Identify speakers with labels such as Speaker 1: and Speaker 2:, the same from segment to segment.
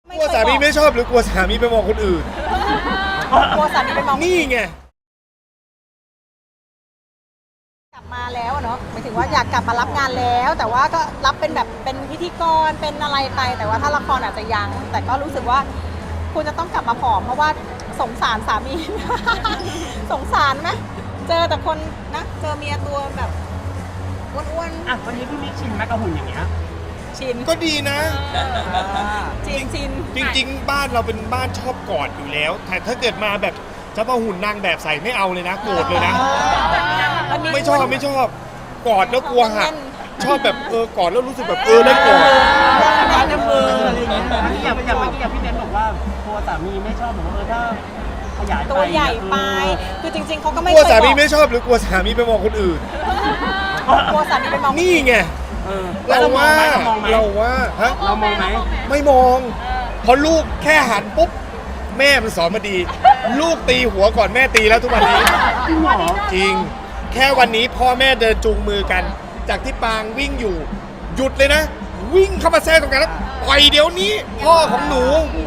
Speaker 1: กลัวสามีไม่ชอบหรือกลัวสามีไปมองคนอื่น
Speaker 2: กลัวสามีไปมอง
Speaker 1: นี่ไง
Speaker 2: กลับมาแล้วอะเนาะหมายถึงว่าอยากกลับมารับงานแล้ว แต่ว่าก็รับเป็นแบบเป็นพิธีกรเป็นอะไรไปแต่ว่าถ้าละครอาจจะยัง แต่ก็รู้สึกว่าคุณจะต้องกลับมาผอมเพราะว่าสงสารสามี สงสารไหมเจอแต่คนนะเจอเมียตัวแบบอ้วน
Speaker 3: อ่ะวันนี้พี่มิกชินไหมกับหุ่นอย่างเงี้ย
Speaker 2: ๆชิน
Speaker 1: ก็ดีนะ
Speaker 2: จริงชิน
Speaker 1: จริงๆ บ้านเราเป็นบ้านชอบกอดอยู่แล้ว แต่ถ้าเกิดมาแบบจะมาหุ่นนางแบบใส่ไม่เอาเลยนะโกรธเลยนะ ไม่ชอบกอดแล้วกลัวหักชอบแบบกอดแล้วรู้สึกแบบได้กอด
Speaker 3: ร้านน้ำเบอร์อะไรอย่างเงี้ยอย่างเมื่อกี้พี่เบนบอกว่าตัวสามีไม่ชอบบอกว่าถ้าขยายไป
Speaker 2: ตัวใหญ่ไปคือจริงๆเขาก็ไม่
Speaker 1: กลัว
Speaker 2: เคย
Speaker 1: สา
Speaker 2: บ
Speaker 1: มี
Speaker 2: อก
Speaker 1: ไม่ชอบหรือกลัวสามีไปมองคนอื่น
Speaker 2: กลัวสามีไปมอง
Speaker 1: นี่ไง
Speaker 3: แล้ว
Speaker 1: เรา
Speaker 3: เรามองไหม
Speaker 1: ว่าฮะ
Speaker 3: เรามองไหม
Speaker 1: ไม่มองพอลูกแค่หันปุ๊บแม่มันสอนมาดี ลูกตีหัวก่อนแม่ตีแล้วทุกวันนี้
Speaker 3: จริงเหรอ
Speaker 1: จริง แค่วันนี้พ่อแม่เดินจูงมือกัน จากที่ปางวิ่งอยู่ หยุดเลยนะ วิ่งเข้ามาแทรกตรงกันแล้วปล่อยเดี๋ยวนี้ พ่อของหนู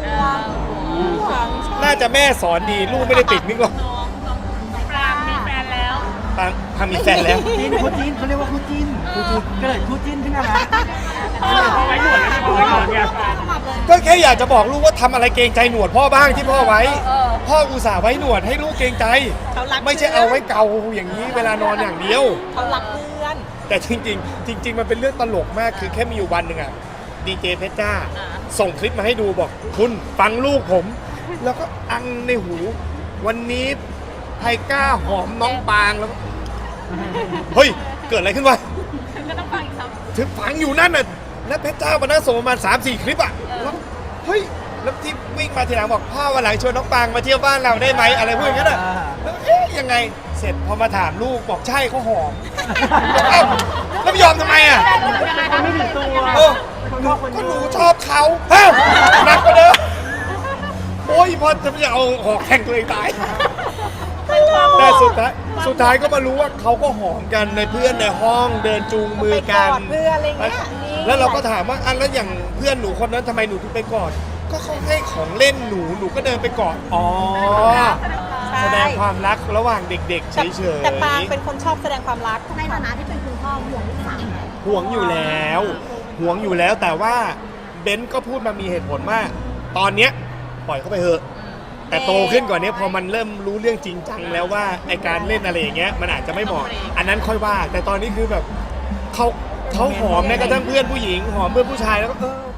Speaker 1: น่าจะแม่สอนดีลูกไม่ได้ติดมิกหรอก
Speaker 4: ปรางมีแฟนแล้ว
Speaker 1: ปางพามีแฟนแล้ว
Speaker 3: จิ้นคู่จิ้นเขาเรียกว่าคู่จิ้นเกิดคู่จิ้นขึ้นมาแล้ว
Speaker 4: ไว้หนวดแล้วนี่ไว้หนวดเนี่ย
Speaker 1: ก็แค่อยากจะบอกลูกว่าทำอะไรเกรงใจหนวดพ่อบ้างที่พ่อไว้ พ่ออุตส่าห์ไว้หนวดให้ลูกเกรงใจ
Speaker 2: เขารัก
Speaker 1: ไม่ใช่เอาไว้เกาอย่างนี้เวลานอนอย่างเดียว
Speaker 2: เขารักเพื่อน
Speaker 1: แต่จริง ๆ มันเป็นเรื่องตลกมากคือแค่มีอยู่วันหนึ่งอะดีเจเพชรจ้า ส่งคลิปมาให้ดูบอกคุณฟังลูกผม แล้วก็อังในหู วันนี้ไทก้าหอมน้องปางแล้วก็เฮ้ย เกิดอะไรขึ้นวะ
Speaker 4: ก็ต้องฟังอีกครับ
Speaker 1: ถึงฟังอยู่นั่นน่ะแล้วเพชรจ้ามานั่งส่งประมาณ 3-4 คลิปอะแล้วเฮ้ยแล้วที่วิ่งมาทีหลังบอกพ่อวันหลังชวนน้องปางมาเที่ยวบ้านเราได้ไหมอะไรพวกอย่างนั้นอะแล้วยังไงเสร็จพอมาถามลูกบอกใช่เขาหอมเอ้าแล้วไม่ยอมทำไมอะ
Speaker 3: คนไม่ถึงตัว
Speaker 1: เออก็หนูชอบเขาเฮ้ยหนักกว่าเดิมโอ้ยพอจะเอาหอกแทงตัวเองตายแต่สุดท้ายก็มารู้ว่าเขาก็หอมกันในเพื่อนในห้องเดินจูงมือ
Speaker 2: ไปก
Speaker 1: กั
Speaker 2: อน ดเพื่อนอะไรเงี้ย
Speaker 1: แล้วเราก็ถามว่าอันแล้วอย่างเพื่อนหนูคนนั้นทำไมหนูถึงไปกอดก็เขาให้ของเล่นหนูก็เดินไปกอดอ๋อแสดงความรักระหว่างเด็กๆเฉยๆ
Speaker 2: แต่ปางเป็นคนชอบแสดงความรัก
Speaker 5: ในฐานะที่เป็นคุณพ่อห่วงลูกสาวไหม
Speaker 1: ห่วงอยู่แล้วแต่ว่าเบนซ์ก็พูดมามีเหตุผลว่าตอนเนี้ยปล่อยเขาไปเถอะแต่โตขึ้นกว่านี้พอมันเริ่มรู้เรื่องจริงจังแล้วว่าไอการเล่นอะไรอย่างเงี้ยมันอาจจะไม่เหมาะอันนั้นค่อยว่า แต่ตอนนี้คือแบบเขาหอมแม้กระทั่งเพื่อนผู้หญิงหอมเพื่อนผู้ชายแล้วก็